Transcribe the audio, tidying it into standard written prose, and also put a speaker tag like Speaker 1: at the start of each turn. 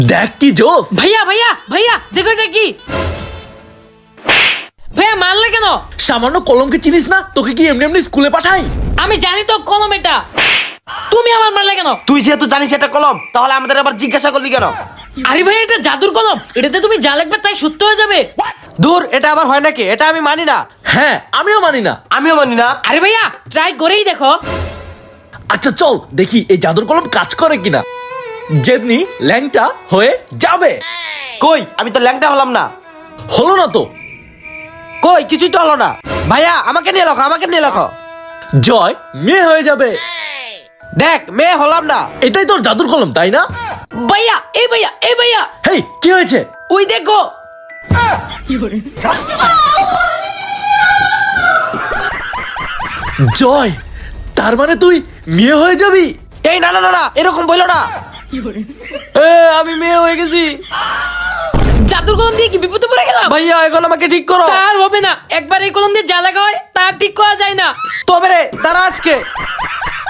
Speaker 1: দেখ কি জোস।
Speaker 2: ভাইয়া ভাইয়া ভাইয়া দেখো এটা কি? ভাইয়া মারলে কেন?
Speaker 1: সামান্য কলমকে চিনিস না? তোকে কি এমনি এমনি স্কুলে পাঠাই?
Speaker 2: আমি জানি তো কলম এটা, তুমি আমার মারলে কেন?
Speaker 3: তুই যেহেতু জানিস এটা কলম, তাহলে আমাদের আবার জিজ্ঞাসা করলি কেন?
Speaker 2: আরে ভাই এটা জাদুর কলম, এটাতে তুমি যা লিখবে তাই সত্য হয়ে যাবে।
Speaker 3: দূর, এটা আবার হয় নাকি? এটা আমি মানি না।
Speaker 1: হ্যাঁ আমিও মানি না।
Speaker 3: আমিও মানি না।
Speaker 2: আরে ভাইয়া ট্রাই করেই দেখো।
Speaker 1: আচ্ছা চল দেখি এই জাদুর কলম কাজ করে কিনা। জেদনি ল্যাংটা হয়ে যাবে।
Speaker 3: কই, আমি তো ল্যাংটা হলাম না।
Speaker 1: হলো না তো।
Speaker 3: কই, কিছুই তো হলো না। ভাইয়া আমাকে নিয়ে লেখো, আমাকে নিয়ে লেখো।
Speaker 1: জয় মেয়ে হয়ে যাবে।
Speaker 3: দেখ, মেয়ে হলাম না।
Speaker 1: এটাই তোর জাদুর কলম তাই না?
Speaker 2: ভাইয়া এই ভাইয়া এই ভাইয়া,
Speaker 1: হেই কি হয়েছে?
Speaker 2: ওই দেখো।
Speaker 1: জয় তার মানে তুই মেয়ে হয়ে যাবি?
Speaker 3: এই না না না না, এরকম বললো না। আমি মেয়ে হয়ে গেছি।
Speaker 2: জাদুর কলম দিয়ে কি বিপদে পড়ে গেলাম?
Speaker 3: ভাইয়া এখন আমাকে ঠিক করো।
Speaker 2: তার হবে না, একবার এই কলম দিয়ে যা লাগা হয় তার ঠিক করা যায় না।
Speaker 3: তবে রে, দাঁড়া আজকে।